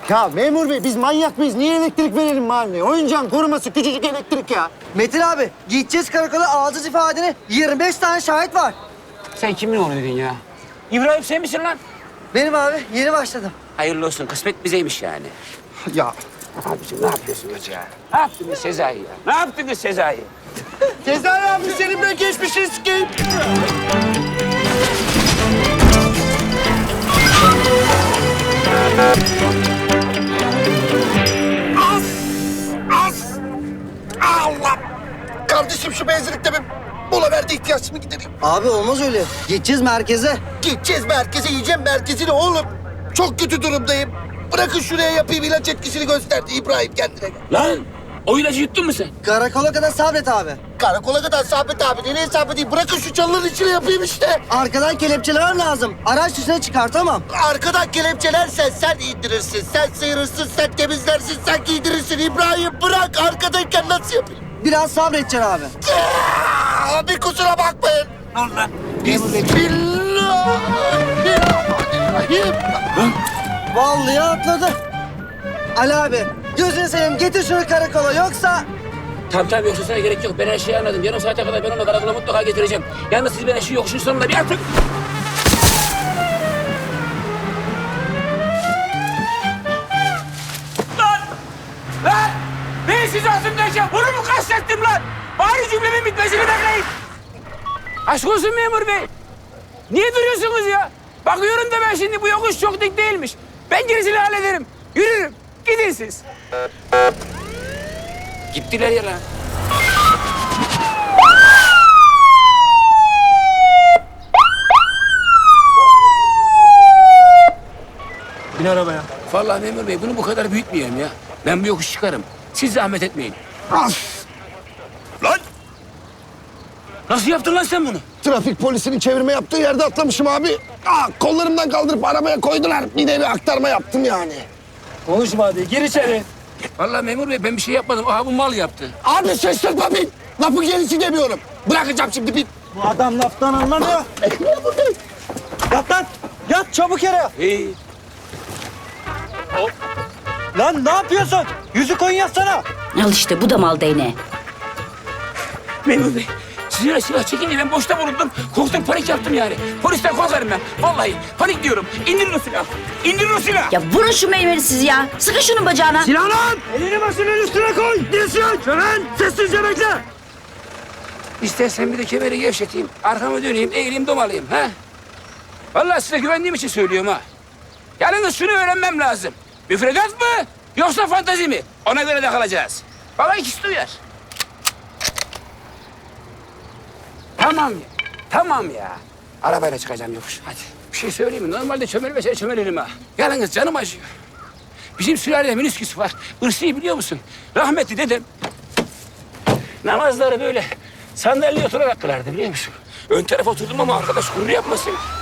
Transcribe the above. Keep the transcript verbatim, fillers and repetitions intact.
Ya memur bey biz manyak mıyız? Niye elektrik verelim mahalleye? Oyuncağın koruması küçücük elektrik ya. Metin abi, gideceğiz karakola, alacağız ifadeni. yirmi beş tane şahit var. Sen kimin oğlu dedin ya? İbrahim sen misin lan? Benim abi, yeni başladım. Hayırlı olsun, kısmet bizeymiş yani. Ya Abiciğim ne yapıyorsunuz ya? Ne yaptınız Sezai ya? Ne yaptınız Sezai? Sezai abi senin ben geçmişin sikeyim. Az! Az! Allah! Kardeşim şu benzinlikte bir mola verdi, ihtiyaçımı gidereyim. Abi olmaz öyle. Gideceğiz merkeze. Gideceğiz merkeze, yiyeceğim merkezini oğlum. Çok kötü durumdayım. Bırakın şuraya yapayım, ilaç etkisini gösterdi İbrahim kendine. Lan o ilacı yuttun mu sen? Karakola kadar sabret abi. Karakola kadar Sabit abi, nereye sabredeyim? Bırakın şu çalıların içine yapayım işte. Arkadan kelepçeler lazım. Araç dışına çıkartamam. Arkadan kelepçelersen sen indirirsin, sen sıyırırsın, sen temizlersin, sen giydirirsin. İbrahim bırak, arkadayken nasıl yapayım? Biraz sabredeceksin abi. Aa, bir kusura bakmayın. Allah. Bismillahirrahmanirrahim. Vallahi atladı. Ali abi, gözünü seveyim getir şunu karakola yoksa... Tamam tamam yoksa sana gerek yok. Ben her şeyi anladım. Yarım saate kadar ben onu karakola mutlaka getireceğim. Yalnız siz bana şu yokuşun sonunda bir atın. Lan! Lan! Ben sizi atımdayken bunu mu kastettim lan? Bari cümlemin bitmesini bekleyin. Aşk olsun memur bey. Niye duruyorsunuz ya? Bakıyorum da ben şimdi bu yokuş çok dik değilmiş. Ben gerisini hallederim. Yürürüm. Gidin siz. Gittiler ya lan. Bin arabaya. Vallahi memur bey bunu bu kadar büyütmeyelim ya. Ben bu yokuş çıkarım. Siz zahmet etmeyin. Lan! Nasıl yaptın lan sen bunu? Trafik polisinin çevirme yaptığı yerde atlamışım abi. Aa, kollarımdan kaldırıp arabaya koydular. Bir de bir aktarma yaptım yani. Konuşma hadi gir içeri. Vallahi memur bey ben bir şey yapmadım. Aha bu mal yaptı. Abi şaşırtma bin. Lafı gerisi demiyorum. Bırakacağım şimdi bin. Bu adam laftan anlamıyor. Yat lan. Yat çabuk yere. İyi. Lan ne yapıyorsun? Yüzü koyun yatsana. Al işte bu da mal değneği. Memur bey siz öyle silah çekince ben boşta bulundum. Korktum panik yaptım yani. Polisten korkarım ben. Vallahi panik diyorum. İndirin o silahı. İndirin o silahı. Ya vurun şu meymeni siz ya. Sıkın şunun bacağına. Silahlan! Elini başının üstüne koy. Dilsiyon. Şölen sessizce bekle. İstersen bir de kemeri gevşeteyim. Arkamı döneyim, eğileyim, domalayayım. Ha? Vallahi size güvendiğim için söylüyorum ha. Yalnız şunu öğrenmem lazım. Müfredat mı yoksa fantazi mi? Ona göre de kalacağız. Baba ikisi de uyar. Tamam ya. Tamam ya. Arabayla çıkacağım yokuş. Hadi. Bir şey söyleyeyim mi? Normalde çömelmese çömelirim ha. Yalnız canım acıyor. Bizim sülalede minisküs var. Irsi'yi biliyor musun? Rahmetli dedem namazları böyle sandalyeye oturarak kılardı biliyor musun? Ön tarafa oturdum ama arkadaş gurur yapmasın.